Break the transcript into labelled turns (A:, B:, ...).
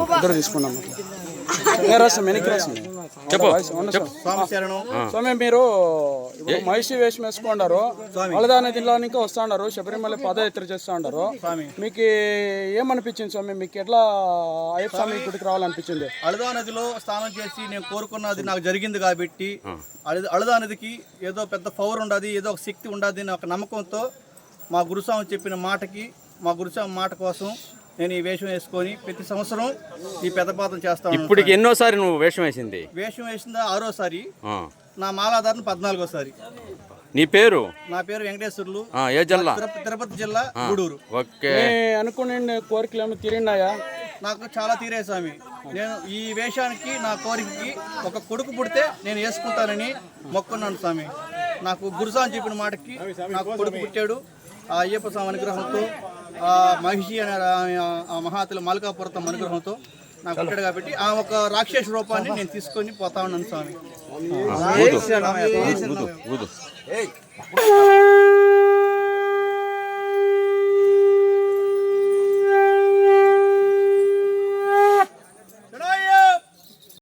A: ఇద్దరు తీసుకున్నాం. రాస్తాం వెనక్కి రాస్తాం.
B: చెప్పు.
A: స్వామి మీరు ఇప్పుడు మహిషి వేషం వేసుకున్నారు, అలదా నదిలోనికి వస్తా ఉన్నారు, శబరిమల పాదయాత్ర చేస్తా ఉన్నారు. మీకు ఏమనిపించింది స్వామి? మీకు ఎట్లా అయ్యప్ప స్వామి గుడికి రావాలనిపించింది?
C: అలదా నదిలో స్నానం చేసి నేను కోరుకున్నది నాకు జరిగింది కాబట్టి అలదా నదికి ఏదో పెద్ద పవర్ ఉండదు, ఏదో ఒక శక్తి ఉండదు అనే ఒక నమ్మకంతో మా గురుస్వామి చెప్పిన మాటకి, మా గురుస్వామి మాట కోసం నేను ఈ వేషం వేసుకొని ప్రతి సంవత్సరం ఈ పెద్దపాతం చేస్తాను.
B: ఇప్పటికి ఎన్నోసారి నువ్వు వేషం వేసింది?
C: వేషం వేసిందా 6వసారి, నా మాలాధారణ 14వసారి.
B: నీ పేరు?
C: నా పేరు వెంకటేశ్వర్లు.
B: ఏ జిల్లా?
C: తిరుపతి జిల్లా, గూడూరు.
B: ఓకే.
A: అనుకునే కోరికలు ఏమో తీరినాయా?
C: నాకు చాలా తీరే స్వామి. నేను ఈ వేషానికి, నా కోరికకి ఒక కొడుకు పుడితే నేను వేసుకుంటానని మొక్కున్నాను స్వామి. నాకు గురుస్వామి చెప్పిన మాటకి నాకు కొడుకు పుట్టాడు. ఆ అయ్యప్ప స్వామి అనుగ్రహంతో, ఆ మహిషి అనే ఆ మహాతలి మాలికాపురతం అనుగ్రహంతో నాకు పుట్టాడు కాబట్టి ఆ ఒక రాక్షస రూపాన్ని నేను తీసుకొని పోతా ఉన్నాను స్వామి.